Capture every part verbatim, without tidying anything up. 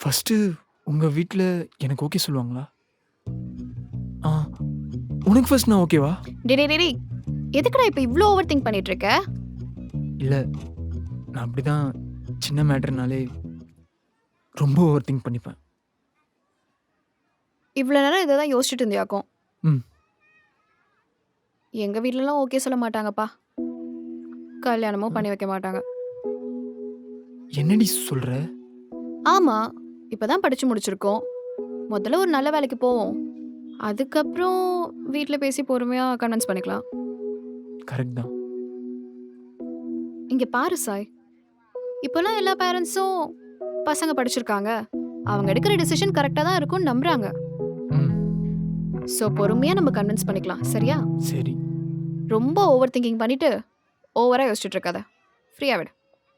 First உங்கள் வீட்டில் எனக்கு ஓகே சொல்லுவாங்களா? ஆ உனக்கு ஃபர்ஸ்ட் நான் ஓகேவா? டேய் டேய் டேய் எதுக்குடா இப்போ இவ்ளோ ஓவர் திங்க் பண்ணிட்டு இருக்க? இல்லை, நான் அப்படி தான் சின்ன மேட்டர்னாலே ரொம்ப ஓவர் திங்க் பண்ணிப்பேன். இவ்வளோ நேரம் இதை தான் யோசிச்சுட்டு இருந்தியாக்கும். ம் எங்க வீட்லலாம் ஓகே சொல்ல மாட்டாங்கப்பா. கல்யாணமும் பண்ணி வைக்க மாட்டாங்க. என்னடி சொல்கிற? ஆமா, இப்பதான் படிச்சு முடிச்சிருக்கோம். முதல்ல ஒரு நல்ல வேலைக்கு போவோம். அதுக்கப்புறம் வீட்ல பேசி பொறுமையா கன்வின்ஸ் பண்ணிக்கலாம். கரெக்ட் தான். இங்க பாரு சாய், இப்போலாம் எல்லா பேரண்ட்ஸும் பசங்க படிச்சிருக்காங்க, அவங்க எடுக்கிற டிசிஷன் கரெக்டாக தான் இருக்கும்னு நம்புறாங்க. ம் ஸோ பொறுமையா நம்ம கன்வின்ஸ் பண்ணிக்கலாம், சரியா? சரி. ரொம்ப ஓவர் திங்கிங் பண்ணிட்டு ஓவரா யோசிச்சுட்டு இருக்காத. ஃப்ரீயா விடு.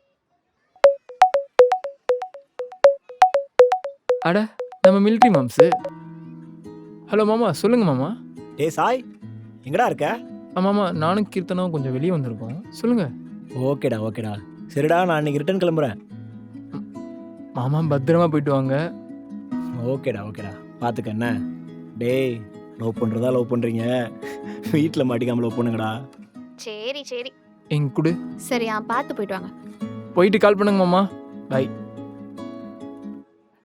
அட, நம்ம மிலிட்ரி மாம்ஸு. ஹலோ மாமா, சொல்லுங்க மாமா. டேய் சாய், எங்கடா இருக்க? ஆ மாமா, நானும் கீர்த்தனும் கொஞ்சம் வெளியே வந்திருக்கோம். சொல்லுங்க ஓகேடா ஓகேடா. சரிடா, நான் இன்னைக்கு ரிட்டர்ன் கிளம்புறேன். மாமா பத்திரமா போயிட்டு வாங்க. ஓகேடா ஓகேடா, பார்த்துக்க என்ன. டேய், லவ் பண்ணுறதா லவ் பண்ணுறீங்க, வீட்டில் மாட்டிக்காமல் லவ் பண்ணுங்கடா. சரி சரி எங்க கூட சரியா, பார்த்து போயிட்டு வாங்க. போயிட்டு கால் பண்ணுங்க மாமா. பை.